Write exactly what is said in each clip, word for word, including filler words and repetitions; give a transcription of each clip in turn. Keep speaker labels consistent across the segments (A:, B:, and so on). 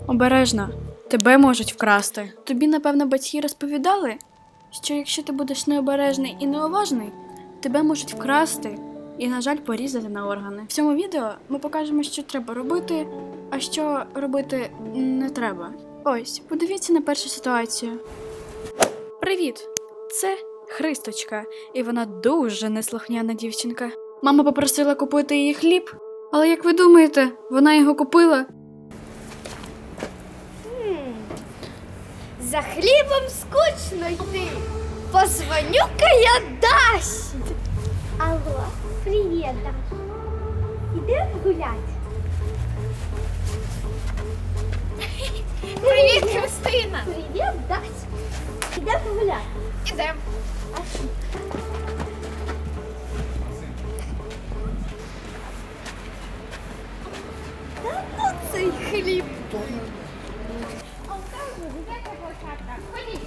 A: Обережно, тебе можуть вкрасти. Тобі, напевно, батьки розповідали, що якщо ти будеш необережний і неуважний, тебе можуть вкрасти і, на жаль, порізати на органи. В цьому відео ми покажемо, що треба робити, а що робити не треба. Ось, подивіться на першу ситуацію. Привіт! Це Христочка, і вона дуже неслухняна дівчинка. Мама попросила купити їй хліб, але як ви думаєте, вона його купила?
B: За хлібом скучно йти. Позвоню-ка я Дасі. Алло, привіт, Даш. Ідемо гулять?
C: Привіт, Христина!
B: Привіт, Дась. Ідемо гуляти?
C: Ідем.
B: Та ну цей хліб.
C: Ходіть.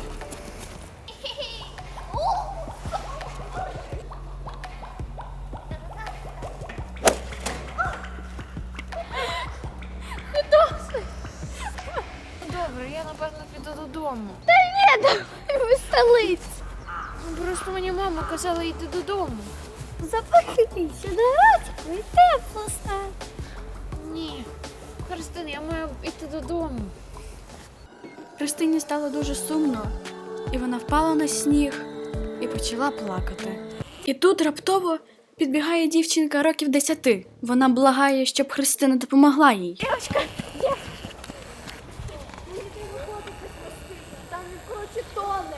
C: Добре, я напевно піду додому.
B: Та ні, давай в столиці.
C: Ну, просто мені мама казала йти додому.
B: Запахнися на ротику і тепло стане.
C: Ні. Христина, я маю йти додому.
A: Христині стало дуже сумно, і вона впала на сніг і почала плакати. І тут раптово підбігає дівчинка років десяти. Вона благає, щоб Христина допомогла їй.
B: Дівчинка, дівчинка. Мені треба котика спасти, там коротше тоне.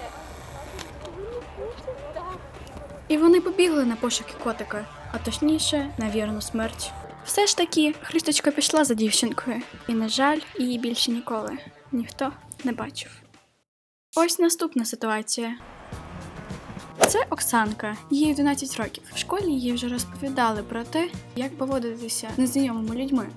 A: І вони побігли на пошуки котика, а точніше, на вірну смерть. Все ж таки, Христочка пішла за дівчинкою. І, на жаль, її більше ніколи ніхто не бачив. Ось наступна ситуація. Це Оксанка, їй одинадцять років. В школі їй вже розповідали про те, як поводитися з незнайомими людьми.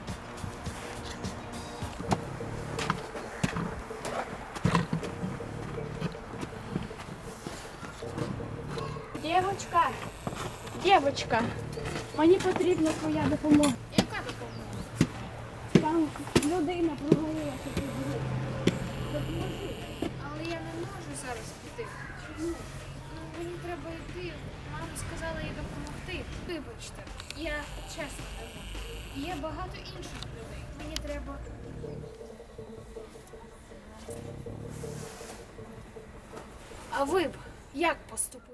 A: Дівчинка, дівчинка, мені потрібна твоя допомога.
C: Яка допомога?
A: Там людина провалилася під землю.
C: Допоможи. Але я не можу зараз піти. Чому? Ну, мені треба йти. Мама сказала їй допомогти. Вибачте, я чесно кажу. Є багато інших людей. Мені треба. А ви б як поступили?